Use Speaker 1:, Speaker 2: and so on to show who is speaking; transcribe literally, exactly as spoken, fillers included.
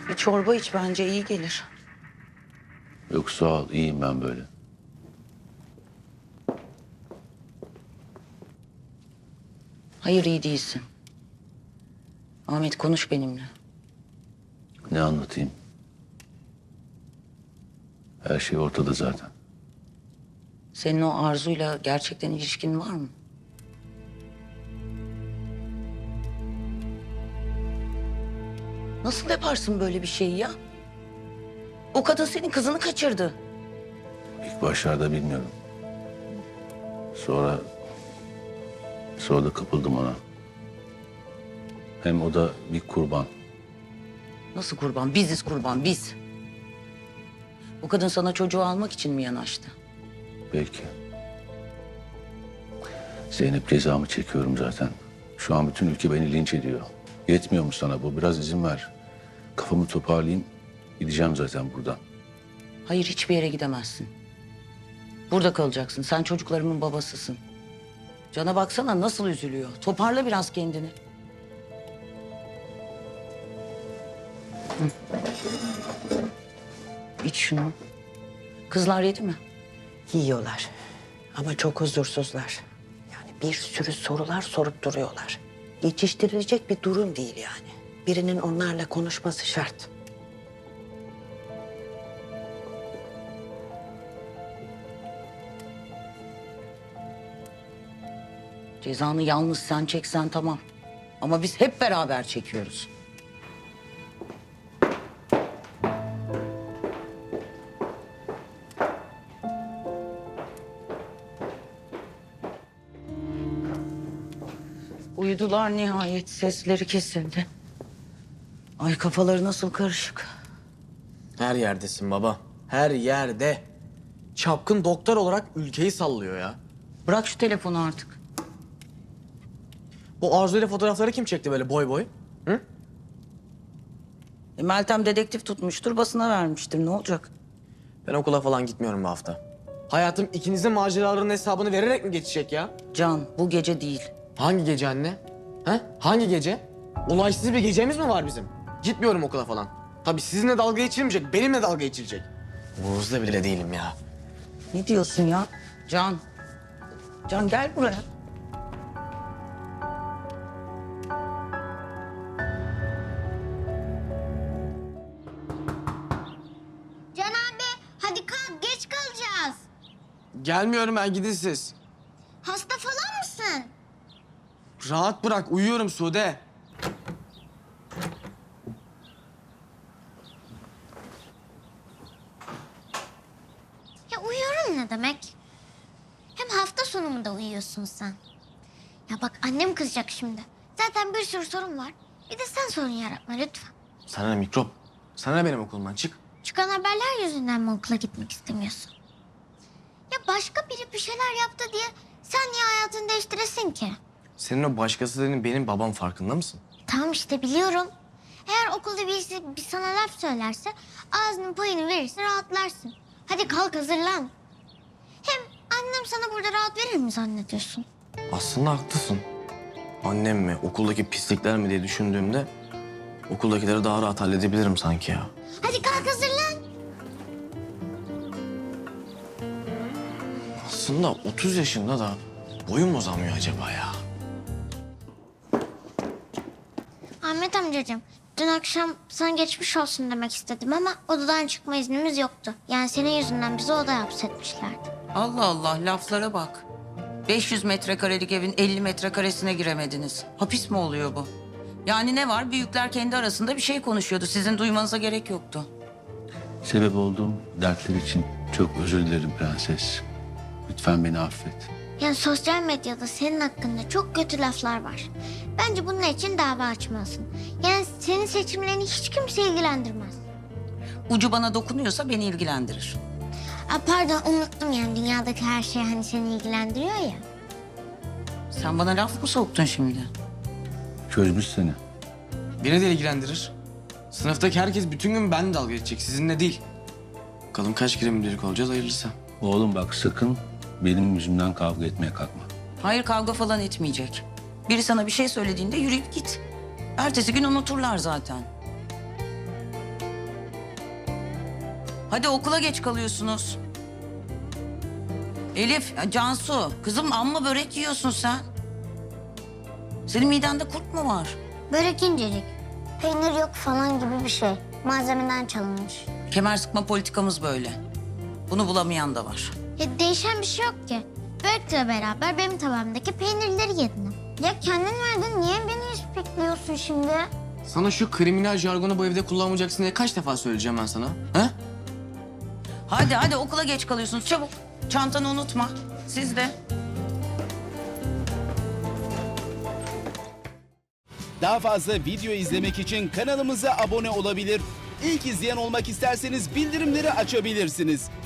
Speaker 1: Bir çorba iç, bence iyi gelir.
Speaker 2: Yok sağ ol, iyiyim ben böyle.
Speaker 1: Hayır, iyi değilsin. Ahmet, konuş benimle.
Speaker 2: Ne anlatayım? Her şey ortada zaten.
Speaker 1: Senin o Arzu'yla gerçekten ilişkin var mı? Nasıl yaparsın böyle bir şeyi ya? O kadın senin kızını kaçırdı.
Speaker 2: İlk başlarda bilmiyorum. Sonra... Sonra da kapıldım ona. Hem o da bir kurban.
Speaker 1: Nasıl kurban? Biziz kurban, biz. O kadın sana çocuğu almak için mi yanaştı?
Speaker 2: Belki. Zeynep, cezamı çekiyorum zaten. Şu an bütün ülke beni linç ediyor. Yetmiyor mu sana bu? Biraz izin ver. Kafamı toparlayayım. Gideceğim zaten buradan.
Speaker 1: Hayır, hiçbir yere gidemezsin. Burada kalacaksın. Sen çocuklarımın babasısın. Can'a baksana nasıl üzülüyor. Toparla biraz kendini. Hı. İç şunu. Kızlar yedi mi?
Speaker 3: Yiyorlar ama çok huzursuzlar. Yani bir sürü sorular sorup duruyorlar. Geçiştirilecek bir durum değil yani. Birinin onlarla konuşması şart.
Speaker 1: Cezanı yalnız sen çeksen tamam. Ama biz hep beraber çekiyoruz. Uyudular nihayet. Sesleri kesildi. Ay, kafaları nasıl karışık.
Speaker 4: Her yerdesin baba. Her yerde. Çapkın doktor olarak ülkeyi sallıyor ya.
Speaker 1: Bırak şu telefonu artık.
Speaker 4: Bu Arzu ile fotoğrafları kim çekti böyle boy boy? Hı?
Speaker 1: E, Meltem dedektif tutmuştur, basına vermiştir. Ne olacak?
Speaker 4: Ben okula falan gitmiyorum bu hafta. Hayatım ikinizin maceralarının hesabını vererek mi geçecek ya?
Speaker 1: Can, bu gece değil.
Speaker 4: Hangi gece anne? Ha? Hangi gece? Olaysız bir gecemiz mi var bizim? Gitmiyorum okula falan. Tabii sizinle dalga geçilmeyecek, benimle dalga geçilecek. Umurunuzda bile değilim ya.
Speaker 1: Ne diyorsun ya? Can. Can, gel buraya.
Speaker 5: Can abi hadi kalk, geç kalacağız.
Speaker 4: Gelmiyorum ben, gidin siz.
Speaker 5: Hasta falan mısın?
Speaker 4: Rahat bırak, uyuyorum Sude.
Speaker 5: Ya uyuyorum ne demek? Hem hafta sonu mu da uyuyorsun sen? Ya bak, annem kızacak şimdi. Zaten bir sürü sorun var. Bir de sen sorun yaratma lütfen.
Speaker 4: Sana ne mikrop? Sana ne benim okulumdan, çık.
Speaker 5: Çıkan haberler yüzünden mi okula gitmek istemiyorsun? Ya başka biri bir şeyler yaptı diye sen niye hayatını değiştiresin ki?
Speaker 4: Senin o başkası dediğin benim babam, farkında mısın?
Speaker 5: Tamam işte, biliyorum. Eğer okulda birisi bir sana laf söylerse ağzının payını verirse rahatlarsın. Hadi kalk, hazırlan. Hem annem sana burada rahat verir mi zannediyorsun?
Speaker 4: Aslında haklısın. Annem mi, okuldaki pislikler mi diye düşündüğümde okuldakileri daha rahat halledebilirim sanki ya.
Speaker 5: Hadi kalk, hazırlan.
Speaker 4: Aslında otuz yaşında da boyum uzamıyor acaba ya.
Speaker 5: Ahmet amcacığım, dün akşam sana geçmiş olsun demek istedim ama odadan çıkma iznimiz yoktu. Yani senin yüzünden bizi odaya hapsetmişlerdi.
Speaker 1: Allah Allah, laflara bak. beş yüz metrekarelik evin elli metrekaresine giremediniz. Hapis mi oluyor bu? Yani ne var? Büyükler kendi arasında bir şey konuşuyordu. Sizin duymanıza gerek yoktu.
Speaker 2: Sebep olduğum dertler için çok özür dilerim prenses. Lütfen beni affet.
Speaker 5: Yani sosyal medyada senin hakkında çok kötü laflar var. Bence bunun için dava açmalısın. Yani senin seçimlerini hiç kimse ilgilendirmez.
Speaker 1: Ucu bana dokunuyorsa beni ilgilendirir.
Speaker 5: Aa, pardon, unuttum, yani dünyadaki her şey hani seni ilgilendiriyor ya.
Speaker 1: Sen bana laf mı soktun şimdi?
Speaker 2: Çözmüş seni.
Speaker 4: Beni de ilgilendirir. Sınıftaki herkes bütün gün benimle dalga geçecek, sizinle değil. Bakalım kaç kere müdürlük olacağız, hayırlısı.
Speaker 2: Oğlum bak, sakın benim yüzümden kavga etmeye kalkma.
Speaker 1: Hayır, kavga falan etmeyecek. Biri sana bir şey söylediğinde yürüyüp git. Ertesi gün unuturlar zaten. Hadi okula geç kalıyorsunuz. Elif, Cansu, kızım amma börek yiyorsun sen. Senin midende kurt mu var?
Speaker 5: Börek incecik. Peynir yok falan gibi bir şey. Malzemeden çalınmış.
Speaker 1: Kemer sıkma politikamız böyle. Bunu bulamayan da var.
Speaker 5: Ya değişen bir şey yok ki. Börekle beraber benim tabağımdaki peynirleri yedin. Ya kendin verdin, niye beni ispikliyorsun şimdi?
Speaker 4: Sana şu kriminal jargonu bu evde kullanmayacaksın diye kaç defa söyleyeceğim ben sana? Ha?
Speaker 1: Hadi hadi okula geç kalıyorsunuz çabuk. Çantanı unutma. Siz de.
Speaker 6: Daha fazla video izlemek için kanalımıza abone olabilir. İlk izleyen olmak isterseniz bildirimleri açabilirsiniz.